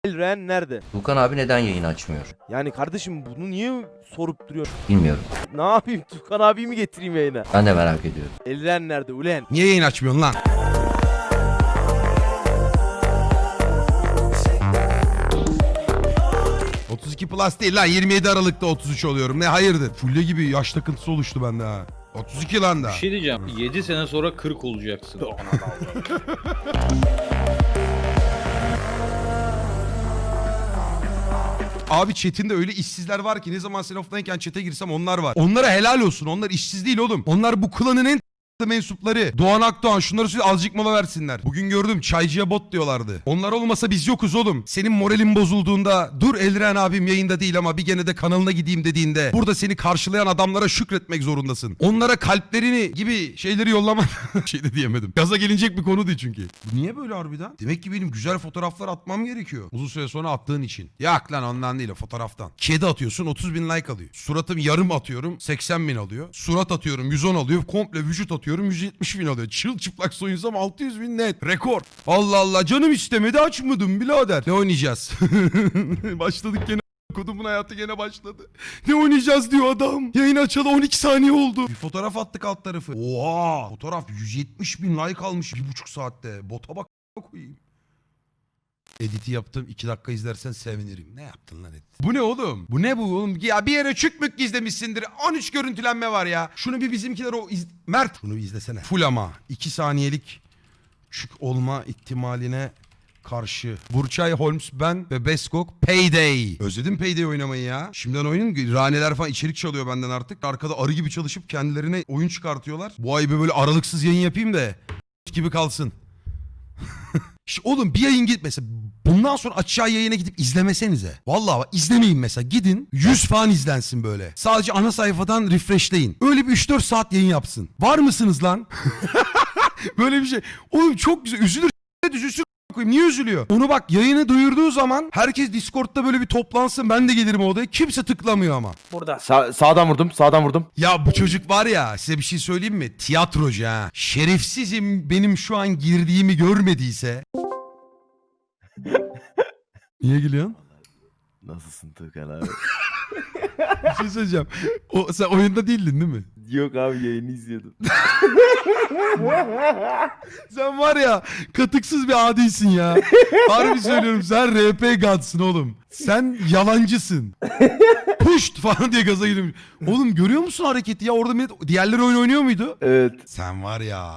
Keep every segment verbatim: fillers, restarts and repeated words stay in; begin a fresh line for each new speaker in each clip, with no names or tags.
Elren nerede?
Tuğkan abi neden yayın açmıyor?
Yani kardeşim bunu niye sorup duruyor?
Bilmiyorum.
Ne yapayım? Tukan abiyi mi getireyim yayına?
Ben de merak ediyorum.
Elren nerede ulen?
Niye yayın açmıyorsun lan? otuz iki plus değil lan, yirmi yedi Aralık'ta otuz üç oluyorum. Ne hayırdır? Fulle gibi yaş takıntısı oluştu bende ha. otuz iki lan da.
Bir şey diyeceğim. yedi sene sonra kırk olacaksın.
Abi chat'inde öyle işsizler var ki ne zaman sen offline'ken chat'e girsem onlar var. Onlara helal olsun. Onlar işsiz değil oğlum. Onlar bu klanın en mensupları. Doğan Akdoğan, şunları söyle, azıcık mola versinler. Bugün gördüm çaycıya bot diyorlardı. Onlar olmasa biz yokuz oğlum. Senin moralin bozulduğunda, dur Elren abim yayında değil ama bir gene de kanalına gideyim dediğinde, burada seni karşılayan adamlara şükretmek zorundasın. Onlara kalplerini gibi şeyleri yollama. Şey de diyemedim. Gaza gelinecek bir konu değil çünkü. Bu niye böyle harbiden? Demek ki benim güzel fotoğraflar atmam gerekiyor. Uzun süre sonra attığın için. Yak lan, ondan değil o, fotoğraftan. Kedi atıyorsun otuz bin like alıyor. Suratım yarım atıyorum seksen bin alıyor. Surat atıyorum yüz on alıyor. Komple vücut atıyorum yüz yetmiş bin alıyor. Çıl çıplak soyunsam altı yüz bin net. Rekor. Allah Allah, canım istemedi açmadım birader. Ne oynayacağız? Başladık gene. Kodumun hayatı gene başladı. Ne oynayacağız diyor adam. Yayın açalı on iki saniye oldu. Bir fotoğraf attık alt tarafı. Oha. Fotoğraf yüz yetmiş bin like almış bir buçuk saatte. Bota bak koyayım. Edit'i yaptım. iki dakika izlersen sevinirim. Ne yaptın lan edit? Bu ne oğlum? Bu ne bu oğlum? Ya bir yere çükmük gizlemişsindir. on üç görüntülenme var ya. Şunu bir bizimkiler o iz... Mert. Şunu bir izlesene. Full ama. iki saniyelik çük olma ihtimaline karşı. Burçay, Holmes, ben ve Beskok Payday. Özledim Payday oynamayı ya. Şimdiden oyunun raneler falan içerik çalıyor benden artık. Arkada arı gibi çalışıp kendilerine oyun çıkartıyorlar. Bu ay böyle aralıksız yayın yapayım da gibi kalsın. İşte oğlum bir yayın git mesela, bundan sonra aşağı yayına gidip izlemesenize. Vallahi bak, izlemeyin mesela, gidin yüz falan izlensin böyle. Sadece ana sayfadan refreshleyin. Öyle bir üç dört saat yayın yapsın. Var mısınız lan? Böyle bir şey. Oğlum çok güzel, üzülür üzülsün. Niye üzülüyor? Onu bak, yayını duyurduğu zaman herkes Discord'da böyle bir toplansın, ben de gelirim o odaya. Kimse tıklamıyor ama.
Burada. Sa sağdan vurdum, sağdan vurdum.
Ya bu çocuk var ya, size bir şey söyleyeyim mi? Tiyatrocu ha. Şerefsizim benim şu an girdiğimi görmediyse. Niye gülüyorsun?
Nasılsın Tuğkan abi?
Bir şey söyleyeceğim. O, sen oyunda değildin değil mi?
Yok abi, yayını izliyordum.
Sen var ya, katıksız bir adisin ya. Harbi söylüyorum, sen R P God'sın oğlum. Sen yalancısın. Puşt falan diye gaza gidiyorum. Oğlum görüyor musun hareketi ya? Orada millet, diğerleri oyun oynuyor muydu?
Evet.
Sen var ya.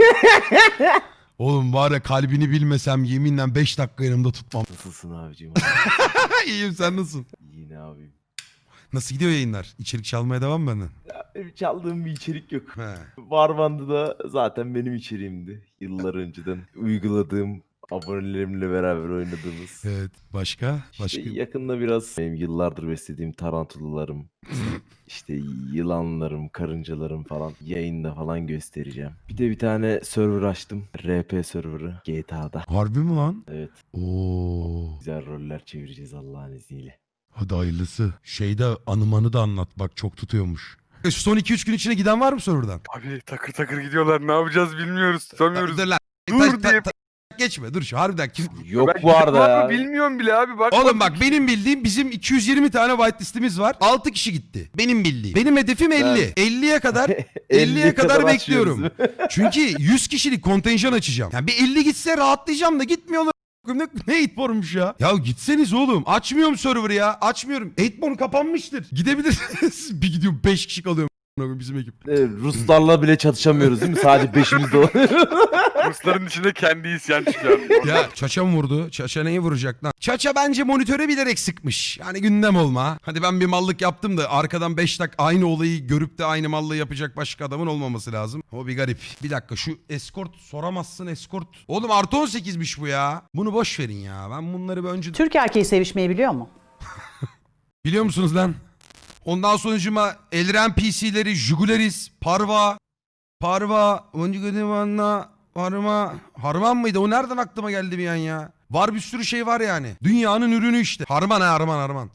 Oğlum var ya, kalbini bilmesem yeminle beş dakika yanımda tutmam.
Nasılsın abicim?
İyiyim, sen nasılsın?
Yine abim.
Nasıl gidiyor yayınlar? İçerik çalmaya devam mı benden?
Benim çaldığım bir içerik yok.
He.
Warbandı da zaten benim içeriğimdi. Yıllar önceden uyguladığım, abonelerimle beraber oynadığımız.
Evet. Başka? Başka?
İşte yakında biraz benim yıllardır beslediğim tarantulalarım, işte yılanlarım, karıncalarım falan yayında falan göstereceğim. Bir de bir tane server açtım. R P serverı G T A'da.
Harbi mi lan?
Evet.
Oo.
Güzel roller çevireceğiz Allah'ın izniyle.
Hadi hayırlısı. Şeyde anımanı da anlat, bak çok tutuyormuş. E, Son iki üç gün içine giden var mı serverdan?
Abi takır takır gidiyorlar, ne yapacağız bilmiyoruz, tutamıyoruz.
Dur lan.
Dur
Ta- ta-
diye-
ta- geçme dur şu harbiden kim...
Yok
Ben
bu arada
var mı
ya.
bilmiyorum bile abi, bak.
Oğlum bak, benim bildiğim bizim iki yüz yirmi tane whitelist'imiz var. altı kişi gitti. Benim bildiğim. Benim hedefim elli. elliye kadar elliye kadar bekliyorum. Çünkü yüz kişilik kontenjan açacağım. Yani bir elli gitse rahatlayacağım da gitmiyor. Ne, ne eightborn'muş ya? Ya gitseniz oğlum. Açmıyorum server'ı ya. Açmıyorum. eightborn kapanmıştır. Gidebilirsiniz. Bir gidiyorum beş kişi kalıyorum bizim ekip.
Evet, Ruslarla bile çatışamıyoruz değil mi? Sadece beşimiz de oluyor.
Rusların içinde kendi isyan çıkıyor.
Ya Çaça mı vurdu? Çaça neyi vuracak lan? Çaça bence monitöre bilerek sıkmış. Yani gündem olma. Hadi ben bir mallık yaptım da arkadan beş dakika aynı olayı görüp de aynı mallığı yapacak başka adamın olmaması lazım. O bir garip. Bir dakika, şu escort soramazsın escort. Oğlum artı on sekizmiş bu ya. Bunu boş verin ya. Ben bunları bir önce...
Türk erkeği sevişmeyi biliyor mu?
Biliyor musunuz lan? Ondan sonucuma Elren P C'leri, Jugularis, Parva, Parva, Oncugudivanla, Harma, Harman mıydı? O nereden aklıma geldi bir an ya? Var bir sürü şey var yani. Dünyanın ürünü işte. Harman ha, Harman Harman.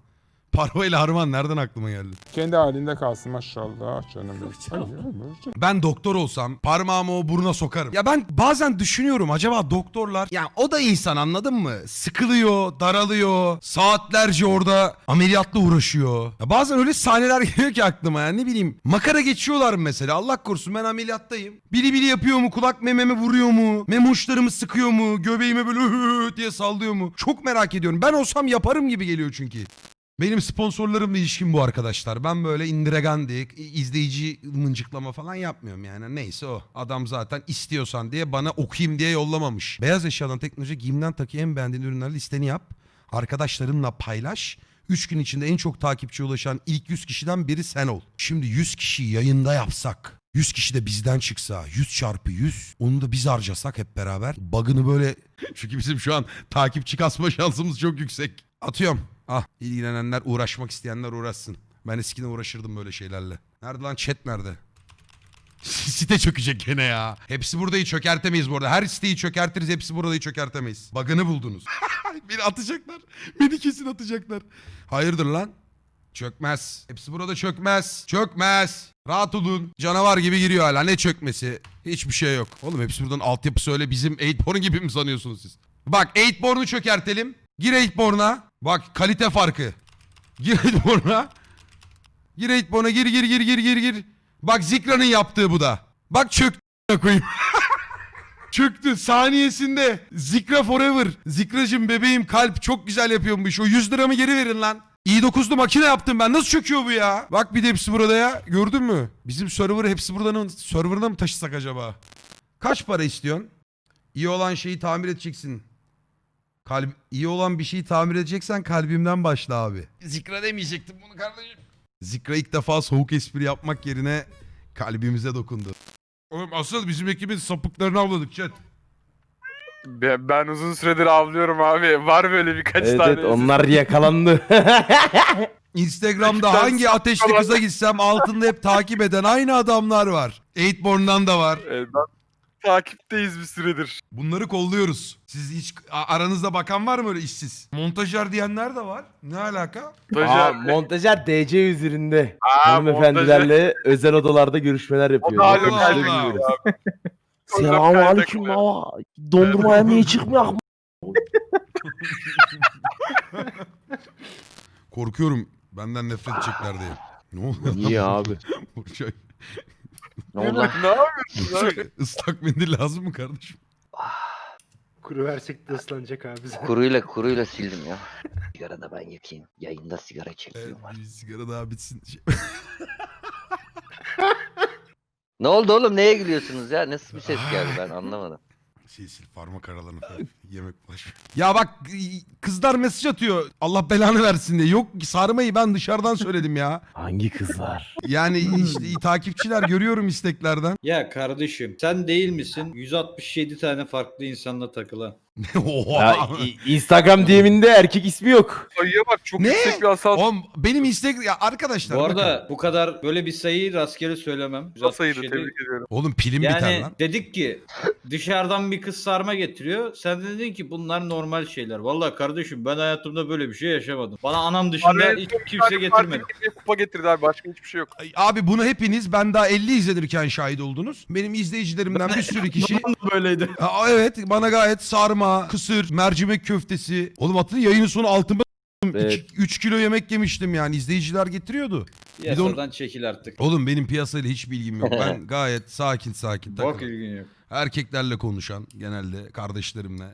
Parva ile harman nereden aklıma geldi?
Kendi halinde kalsın maşallah canım benim. Ay, ay,
Ben doktor olsam parmağımı o buruna sokarım. Ya ben bazen düşünüyorum acaba doktorlar ya o da insan anladın mı? Sıkılıyor, daralıyor, saatlerce orada ameliyatla uğraşıyor. Ya bazen öyle sahneler geliyor ki aklıma ya ne bileyim makara geçiyorlar mı mesela Allah korusun ben ameliyattayım. Bili bili yapıyor mu kulak mememe vuruyor mu? Mem uçlarımı sıkıyor mu? Göbeğime böyle hı diye sallıyor mu? Çok merak ediyorum. Ben olsam yaparım gibi geliyor çünkü. Benim sponsorlarımla ilişkim bu arkadaşlar. Ben böyle indiregandik, izleyici mıncıklama falan yapmıyorum yani. Neyse o. Adam zaten istiyorsan diye bana okuyayım diye yollamamış. Beyaz eşyadan teknoloji giyimden takı en beğendiğin ürünler listeni yap. Arkadaşlarınla paylaş. üç gün içinde en çok takipçiye ulaşan ilk yüz kişiden biri sen ol. Şimdi yüz kişiyi yayında yapsak. yüz kişi de bizden çıksa. yüz çarpı yüz. Onu da biz harcasak hep beraber. Bug'ını böyle... Çünkü bizim şu an takipçi kasma şansımız çok yüksek. Atıyorum. Ah ilgilenenler uğraşmak isteyenler uğraşsın. Ben eskiden uğraşırdım böyle şeylerle. Nerede lan chat nerede? Site çökecek gene ya. Hepsi buradayı çökertemeyiz bu arada. Her siteyi çökertiriz hepsi buradayı çökertemeyiz. Bug'ını buldunuz. Beni atacaklar. Beni kesin atacaklar. Hayırdır lan? Çökmez. Hepsi burada çökmez. Çökmez. Rahat olun. Canavar gibi giriyor hala. Ne çökmesi? Hiçbir şey yok. Oğlum hepsi buradan altyapısı öyle bizim Eightborn gibi mi sanıyorsunuz siz? Bak Eightborn'u çökertelim. Gir Eightborn'a. Bak kalite farkı. Gir Eightborn'a. Gir Eightborn'a gir gir gir gir gir gir. Bak Zikra'nın yaptığı bu da. Bak çöktü koyayım. Çöktü saniyesinde. Zikra forever. Zikracım bebeğim kalp çok güzel yapıyormuş. O yüz liramı geri verin lan. i dokuzlu makine yaptım ben. Nasıl çöküyor bu ya? Bak bir de hepsi burada ya. Gördün mü? Bizim server hepsi buradan serverına mı taşısak acaba? Kaç para istiyorsun? İyi olan şeyi tamir edeceksin. Kalp, iyi olan bir şeyi tamir edeceksen kalbimden başla abi. Zikra demeyecektim bunu kardeşim. Zikra ilk defa soğuk espri yapmak yerine kalbimize dokundu. Oğlum asıl bizim ekibin sapıklarını avladık chat.
Ben, ben uzun süredir avlıyorum abi. Var böyle birkaç
Evet,
tane.
evet onlar yakalandı.
Instagram'da hangi ateşli kıza gitsem altında hep takip eden aynı adamlar var. Eightborn'dan da var.
Ee, ben takipteyiz bir süredir.
Bunları kolluyoruz. Siz hiç a- aranızda bakan var mı öyle işsiz? Montajer diyenler de var. Ne alaka?
Aa,
Stajyer.
montajer D C üzerinde.
Aa,
Hanımefendilerle özel odalarda görüşmeler yapıyor.
O da hala
Yakın
kalbi
işte
gidiyor.
bilmiyoruz.
O da
Selamun
kalbe
aleyküm
koyuyor.
baba. Dondurmaya niye çıkmıyor?
Korkuyorum. Benden nefret edecekler diye. Ne oluyor?
Niye abi?
Burçay.
Ne oldu?
Ne yapıyorsun abi?
Islak mendil lazım mı kardeşim?
Kuru versek de ıslanacak abi zaten.
Kuruyla kuruyla sildim ya. Sigara da ben yakayım. Yayında sigara
Evet,
çekiyorum.
bir sigara daha bitsin. Şey-
Ne oldu oğlum neye gülüyorsunuz ya? Nasıl bir ses geldi ben anlamadım.
Şey sil parmak aralarını falan. Yemek bulaş. Ya bak kızlar mesaj atıyor. Allah belanı versin diye. Yok sarmayı ben dışarıdan söyledim ya.
Hangi kızlar?
Yani işte takipçiler görüyorum isteklerden.
Ya kardeşim sen değil misin yüz altmış yedi tane farklı insanla takılan?
Oha.
Ya, i- Instagram D M'inde erkek ismi yok.
Sayıya bak çok
Ne?
yüksek bir asal.
Oğlum benim Instagram ya arkadaşlar
Bu
bakın.
arada bu kadar böyle bir sayıyı rastgele söylemem. yüz altmış
sayıydı
yedi.
tebrik ediyorum.
Oğlum pilim biter
Yani
lan.
dedik ki dışarıdan bir kız sarma getiriyor. Sen de dedin ki bunlar normal şeyler. Vallahi kardeşim ben hayatımda böyle bir şey yaşamadım. Bana anam dışında
Araya
hiç
çok
kimse
tane
getirmedi.
partiye kupa getirdi abi başka hiçbir şey yok.
Ay, Abi bunu hepiniz ben daha elli izlenirken şahit oldunuz. Benim izleyicilerimden bir sürü kişi.
Böyleydi.
Aa, evet bana gayet sarma, kısır, mercimek köftesi. Oğlum hatırlayın yayının sonu altıma
Evet.
üç kilo yemek yemiştim yani izleyiciler getiriyordu. de onu-
Yasadan çekil artık.
Oğlum benim piyasayla hiç bilgim yok. Ben gayet sakin sakin
Bak
takılıyorum.
ilgin yok.
Erkeklerle konuşan genelde kardeşlerimle.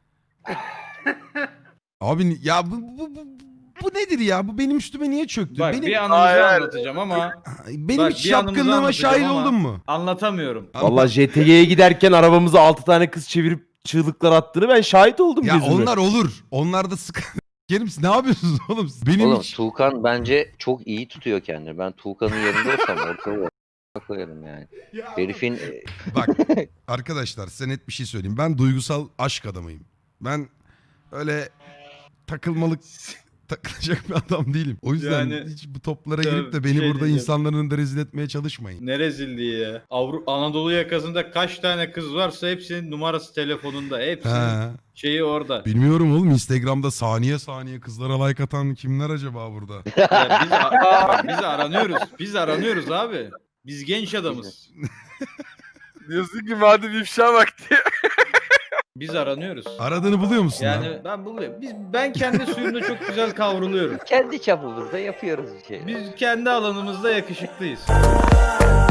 Abi ya bu, bu, bu, bu nedir ya? Bu benim üstüme niye çöktü?
Bak
benim
bir anımızı
Hayır.
anlatacağım ama
benim
bak,
hiç
bir anımızı
şapkınlığıma
anlatacağım
şahit
ama-
oldun mu?
anlatamıyorum.
Valla J T G'ye giderken arabamıza altı tane kız çevirip çığlıklar attığını ben şahit oldum
Ya
gözümle.
onlar olur. Onlar da sıkıntı. Kerim siz ne yapıyorsunuz oğlum? Benim
Oğlum
hiç...
Tuğkan bence çok iyi tutuyor kendini. Ben Tuğkan'ın yerinde olsam ortaya koyarım yani. Herifin e,
Bak arkadaşlar size net bir şey söyleyeyim. Ben duygusal aşk adamıyım. Ben öyle takılmalık takılacak bir adam değilim. O yüzden
Yani-
hiç bu toplara
Tabii,
girip de beni
şey
burada
diyeceğim.
insanların önünde rezil etmeye çalışmayın.
Ne rezilliği ya. Avru Anadolu yakasında kaç tane kız varsa hepsinin numarası telefonunda. Hepsinin
He.
şeyi orada.
Bilmiyorum oğlum, Instagram'da saniye saniye kızlara like atan kimler acaba burada?
Ya biz, a- biz aranıyoruz. Biz aranıyoruz abi. Biz genç adamız.
Diyorsun ki madem ifşa vakti.
Biz aranıyoruz.
Aradığını buluyor musun lan?
Yani ben buluyorum. Biz ben kendi suyumda çok güzel kavruluyorum.
Kendi çapımızda yapıyoruz bir şey.
Biz kendi alanımızda yakışıklıyız.